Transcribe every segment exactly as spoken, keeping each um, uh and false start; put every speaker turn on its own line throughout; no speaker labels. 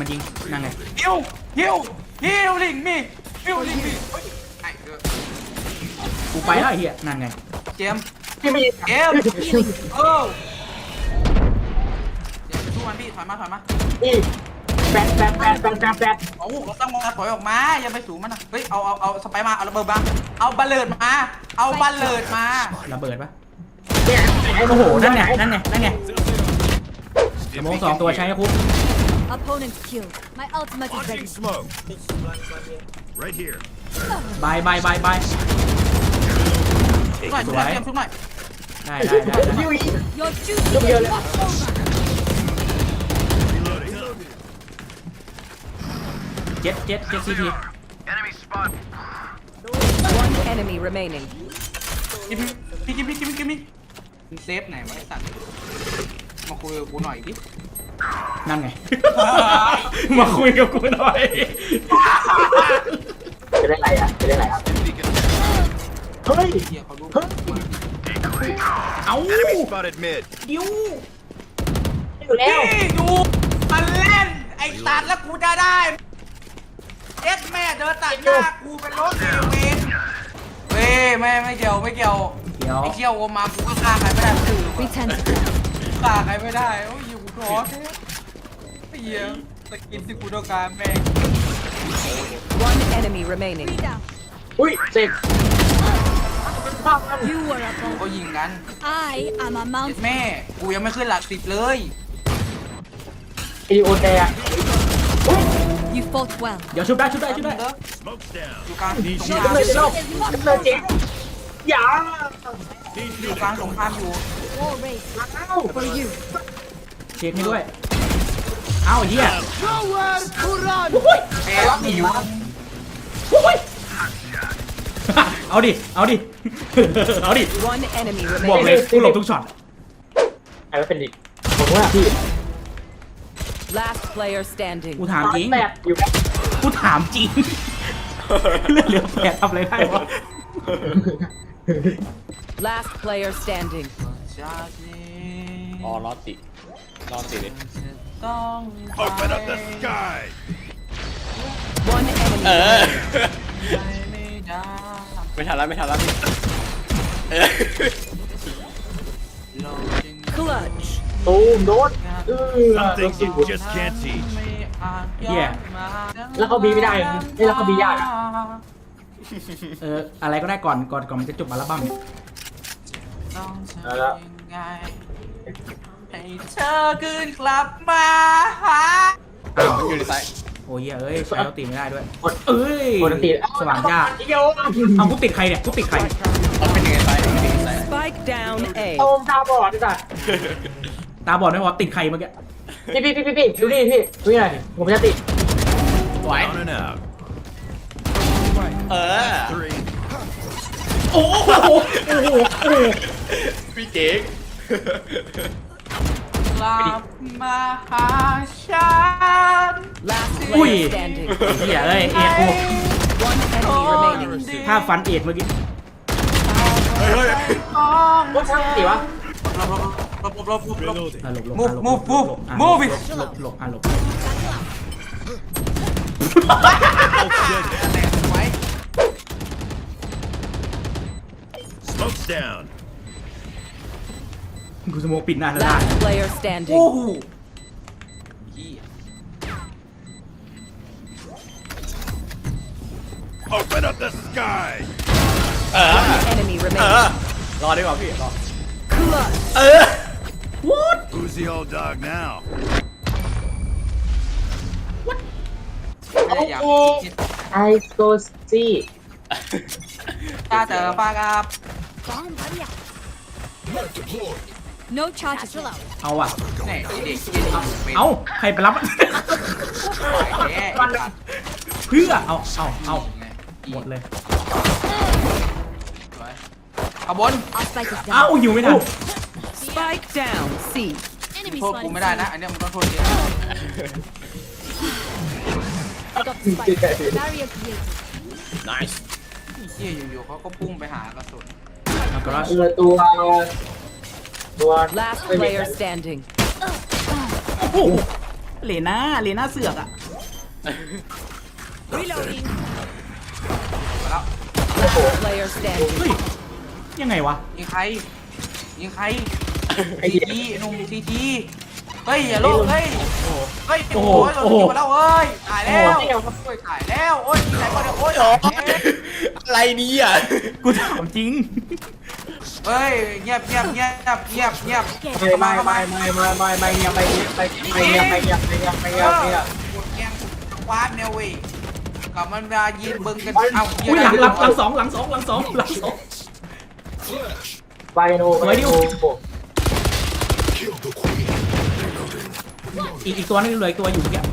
มันยิงนั่งไง
ฮิวฮิวฮิวลิงมีฮิวลิงมีไอ้เออ
กูไปแล้วไอ้เหี้ยนั่นไง
เจม
พี่ไม่
เจมเออเดี๋ยวสู้มันพี่ถอยมาถอยมา
นี่แปดแปดแปดแปดแปดแปด
โอ้เราต้องมาถอยออกมาอย่าไปสูงมันนะเฮ้ยเอาเอาเอาสไปมาเอาระเบิดมาเอาบัลเลิดมาเอาบัลเลิดมา
ระเบิดปะ
เนี่ย
โอ้โหนั่นไงนั่นไงนั่นไงสมองสองตัวใช้ให้คุ้ม
Opponent killed. My ultimate is ready.
Smoke. Right here.
บายบายบายบาย
ชุบหน่อยชุบหน่อยเจมชุบหน่อย
ได้ได้ได้ได้
ยูอี
Your duty is not over.
เจ็ดเจ็ดเจ็ดซีที
One enemy remaining.
กินพี่กินพี่กินพี่กินพี่มึงเซฟไหนวะไอ้สัตว์มาคุยกับกูหน่อยดิ
นั่นไง มาคุยกับกูหน่อย
จะได้ไรอ่ะจะได้ไรอ่ะเฮ้ย
เฮียเขาดู
เอ้า
Enemy spotted mid.
ดิว
อยู่แล้ว
นี่ดูมันเล่นไอ้สัตว์แล้วกูจะได้เอ็ดแม่เดินตัดหน้ากูเป็นรถเอเวนเว้ยไม่ไม่เกี่ยวไม่เกี่ยว
เดี๋ยว
ไอ้เกี่ยวโอมากูก็ฆ่าใครไม่ได้คือ
Return to ground.
ฆ่าใครไม่ได้โอ้ยอยู่กูท้อแท้ไอ้เหี้ยสกินที่กูต้องการแม่ง
One enemy remaining.
Three down.
อุ้ยเสก
You were a
กู
bomb.
ก็ยิงกัน
I am a
เอ็ด
mountain.
แม่กูยังไม่ขึ้นหลักสิบเลย
ไอโอแดง
You fought well.
เดี๋ยวชุบได้ชุบได้ชุบได้
Smoke's down.
อยู่กลางสงค
จะ
ราม
เลยจะลบ
Is not
จะเลยเจ๊ง
over.
อย่า
อยู่กลางสงครามอยู่
War race
อ้าว
for you.
เช็คให้ด้วย เอ้าเหี้ย
แพ้รับหิว
เอาดิ เอาดิ เอาดิ
One enemy
บอกเล
remaining.
ยกูหลบทุกช็อต
ไอ้ว่าเป็นดิผมว่าพี่
Last player standing.
กูถามจริง
แปดอยู่แล้ว
กูถามจริง เรื่องเหลือแปดทำอะไรได้วะ
Last player standing.
อ๋อรอดติรอดติเลย
ต้อง
Open up the sky.
One enemy
เออ
remaining.
ไม่ได้
ไม่ทันแล้วไม่ทันแล้วพี่เออ
เราจึง
Clutch.
ตูมโดนเออ
Some
โดน
things
สิ
you just can't teach.
ไม่อาจ
เหี้ย
แล้วเขาบีไม่ได้เฮ้ยแล้วเขาบียากอะ
เออ อะไรก็ได้ก่อน ก่อน ก่อนมันจะจบอัลบั้มเนี่ย
ต้องทำยังไงให้เธอคืนกลับมาหา
อ้าว
อยู่ในไซต์
โอ้ยเอ้ย ใช้เราตีไม่ได้ด้วย เอ้ย
ปกติ
สว่างจ้า
โยม
เอากูติดใครเนี่ย กูติดใคร
เอาเป็นยังไงไซต์เป็นยังไงไซต์
Spike down A.
โอมตาบอดดิจ้ะ
ตาบอดไม่พอติดใครเมื่อกี้
พี่พี่พี่พี่พี่ดูดิพี่ดูนี่หน่อยผมจะติด
ไหว
On and out.
เออ
Three.
โอ้โห โอ้โห โอ้โห
พี่เจ๊ก
กลับมาหาฉัน
Last
อุ้ย
player standing.
เหี้ยเอ้ย เอ็ดกู
One enemy remaining.
ถ้าฟันเอ็ดเมื่อกี้
เฮ้ยเฮ้ย
ต้อง
ว่าช่างสิวะ
หลบหลบหลบหลบหลบหลบ
อ่ะหลบหลบ
Move,
อ่ะหลบ
move,
หลบ
move,
หลบอ่ะ
move it
หลบหลบอ่ะหลบ
ไว้
Smoke's down.
กูสโมกปิดหน้าแล้วได้
Last player
โอ้
standing.
โหเหี้ย
Open up the sky.
เออ
Enemy
เอ
remaining.
อรอดีกว่าพี่รอ
Clutch.
เออ
What
Who's the old dog now?
ไม่ได้อยากคิด
ไอสโกซี่
ถ้าเจอปากกับ
Bomb buddy. No charges allowed.
เอาอ่ะ
แน่เด็กกินเอาเป็น
เอาใครไปรับ
แย่
เพื่อ เอา เอา เอาหมดเลย
เอาบน
Our spike is
เอ้า
down.
หิวไม่ทัน
Spike down. C.
Enemy
โทษกูไม่ได้นะ อันเนี้ยมึงต้องโทษเอง
Got the spike. Barrier created.
nice
เฮียอยู่ๆเขาก็พุ่งไปหากระสุน
เอาก็แล้ว
เออตัวตัว
Last player standing.
โอ้โหเลน่าเลน่าเสือกอะ
Reloading.
มาแล้ว
Player standing.
เฮ้ยยังไงวะ
ยิงใครยิงใคร
ไอ้
ซี
เหี้ย
ทีหนุ่มซีทีเฮ้ยอย่าโลกเฮ้ยเฮ้ยโอ้โหโดนยิงมาแล้วเฮ้ยตายแล้วโอ้ยตายแล้วโอ้ยยิงไหนก็เดี๋ยวโอ้ย
อะไรนี่อ่ะ
กูถามจริง
เฮ้ยเงียบเงียบเงียบเงียบเงียบ
ไม่ไม่ไม่ไม่ไม่ไม่ไม่เงียบไม่เงียบไม่เงียบไม่เงียบไม่เงียบไม่เงียบไม่เงียบ
กดแกงคว้าแนวเว้ยกับมันมายิงเบิ้งกันเอ้า
อุ้ยหลังหลังหลังสองหลังสองหลังสองหลังสอง
ไปโน่ไปโน่
อีกอีกตัวนึงเหลืออีกตัวอยู่เนี่ย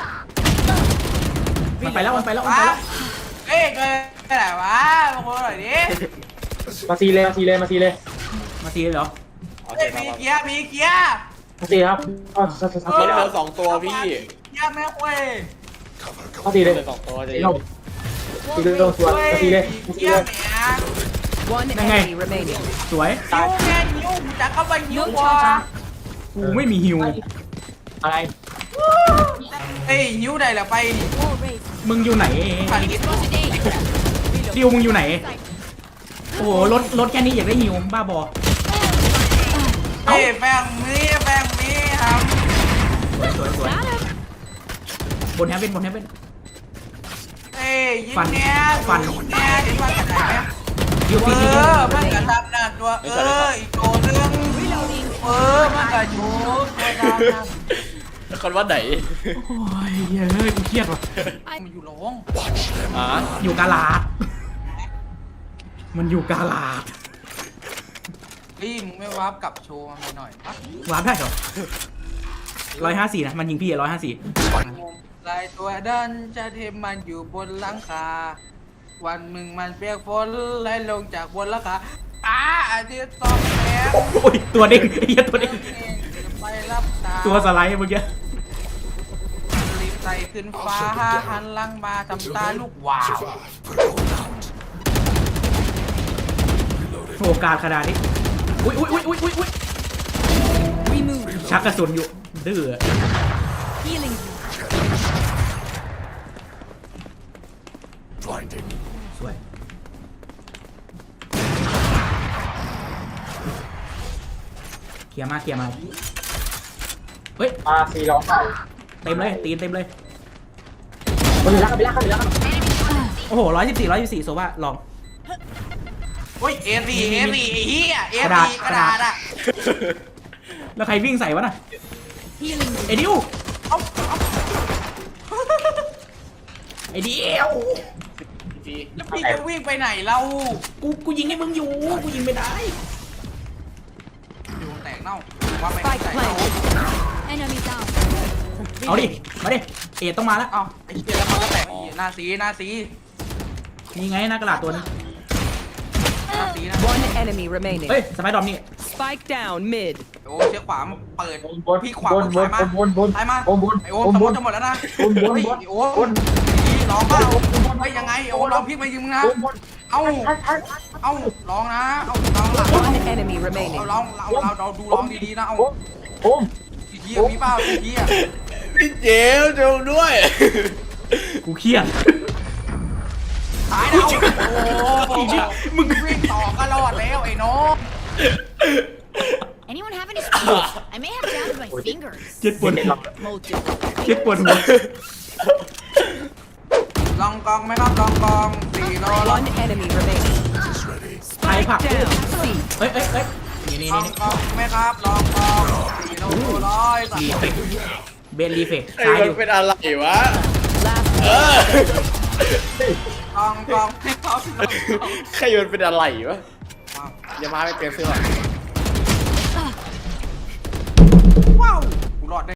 มันไปแล้วมันไปแล้วมันไป
ว้า
แล้ว
เฮ้ยเกิดอะไรวะมาคนหน่อยดิ
มาซีเลยมาซีเลยมาซีเลย
มาทีเลยเหรอ
โอเค
เฮ้ย
มา
มี
มา
เกียร์มีเกียร์
มาซีครับอ๋อสักสักสัก
เหลือสองตัวพี่
เกียร์แม่เว้ย
มาซีเลย
เหลือสองตัวจะ
ซี
ยิ
ล
ง
งซีลงสวนมาซีเลยมาซี
เกีย
เล
ร์
ย
แม่
One enemy remaining.
สวย
นิ้วแม่นิ้วจะเข้าไปนิ้ววะ
กูไม่มีฮิว
อะไร
เฮ้ยนิ้วใดละไปนี่
Wall raised.
มึงอยู่ไหน
Spotted A.
ดิวมึงอยู่ไหนโอ้โหรถรถแค่นี้อยากได้ฮิวบ้าบอ
เฮ้ยแป้งมีแป้งมีครับ
สวยสวยสวยบนแฮปเป็นบนแฮปเป็น
เฮ้ยยิง
ฟัน
เนี้ย
ฟัน
ยิงเนี้ยยิงฟันกันไหน
ฮิว
เอ
ทีที
อมันกระทำหน้าตัวเอออีกตัวนึงเออมันกระชูตัวดำนะ
คนว่าไหน
โอ้ยเฮ้ยกูเครียดว่ะ
มันอยู่หลง
อ่า
อยู่กาลาดมันอยู่กาลาด
พี่มึงไม่วาร์ปกลับโชว์มาหน่อยปะ
วาร์ปได้เหรอร้อยห้าสี่นะมันยิงพี่ร้อยห้าสี่
ลายตัวดันจะเทมมันอยู่บนหลังคา วันหนึ่งมันเปียกฝนไหลลงจากบนหลังคาอ้าอาทิตย์ตกแสง
โอ้ยตัวเด้งไอ้เหี้ยตัวเด้ง
ไปรับตา
ตัวสไลด์เมื่อกี้
รีบไต่ขึ้นฟ้าหันหลังมาทำตาลูกวาว
โอกาสขนาดนี้อุ้ยอุ้ยอุ้ยอุ้ยอุ้ยอุ้ย
Remove.
ชักกระสุนอยู่ดื้อ
Healing you.
สวยเคลียร์มาเคลียร์มาเฮ้ย
มาซีร้องไห้
เต็มเลยตีนเต็มเลย
คนรักกันไปรักกันไปรักกัน
โอ้โหร้อยสิบสี่ร้อยสิบสี่โซว่าลอง
เฮ้ยเอสี่เอสี่ไอ้เหี้ยเอก
ระดาษ
สี่กระดาษอะ
แล้วใครวิ่งใส่วะน่ะ
Healing you.
ไอ้ดิว
เอาเอา
ไอ้ดิว
จี
แล้วพี่จะวิ่งไปไหนเรา
กูกูยิงให้มึงอยู่กูยิงไม่ได้
อยู่แตกเน่าว่าไป
Spike
ไหนเน่า
planted.
Enemy down.
เอาดิมาดิเอ็ดต้องมาแล้ว
เอาไอ้เหี้ยแล้วมันก็แตกไอ้เหี้ยหน้าสีหน้าสี
นี่ไงหน้ากระดาษตัวนึง
หน้าสีนะ
One enemy remaining.
เฮ้ยสไปดอมนี่
Spike down mid.
โอ้เชือกขวามเปิด
บนบน
พี่ขวา
บนบน
ซ้ายมา
บนบน
ซ้ายมา
บนบน
ไอโอม
บน
สม
บ
ม
น
ติจะหมดแล้วนะ
บนบน
เฮ้ย
บน
ไอ้โอ้มดีร้องเปล่าเฮ้ยยังไงโอ้ลองพลิกมายิงมึงนะ
บนบน
เอ้า
ทันทัน
เอ้าร้องนะเอ้าร้องหลัง
One enemy
เอา
remaining.
ร้องเราเราเราดูร้องดีๆนะเอา
โอ้โอ้
สีเทียมีเปล่าสีเทีย
พี่เจลจงด้วย
กูเครียด
ตายแล้วโอ้โหมึงวิ่งต่อก็รอดแล้วไอ้น้อง
Anyone have any skills? I may have jammed my fingers.
เจ็ดปวดหัว
Motive.
เจ็ดปวดหัว
ลองกองไหมครับลองกองสี่โลลอง
One enemy remaining.
ไอ้ผัก
Down. C.
เฮ้ยเฮ้ยเฮ้ยนี่นี่
ลอ
นี่
งกองไหมครับลองกองสี่โลร้อยสาม
รีเฟกเบนรีเฟก
ไอ้
ซ้าย
มั
อน ยู่
เป็นอะไรวะ
Last
เออ
ลองกองให้เขาลองกอง
ใครมันเป็นอะไรวะอย่ามาไม่เปลี่ยนเสื้อ
ว้าวกูรอดได้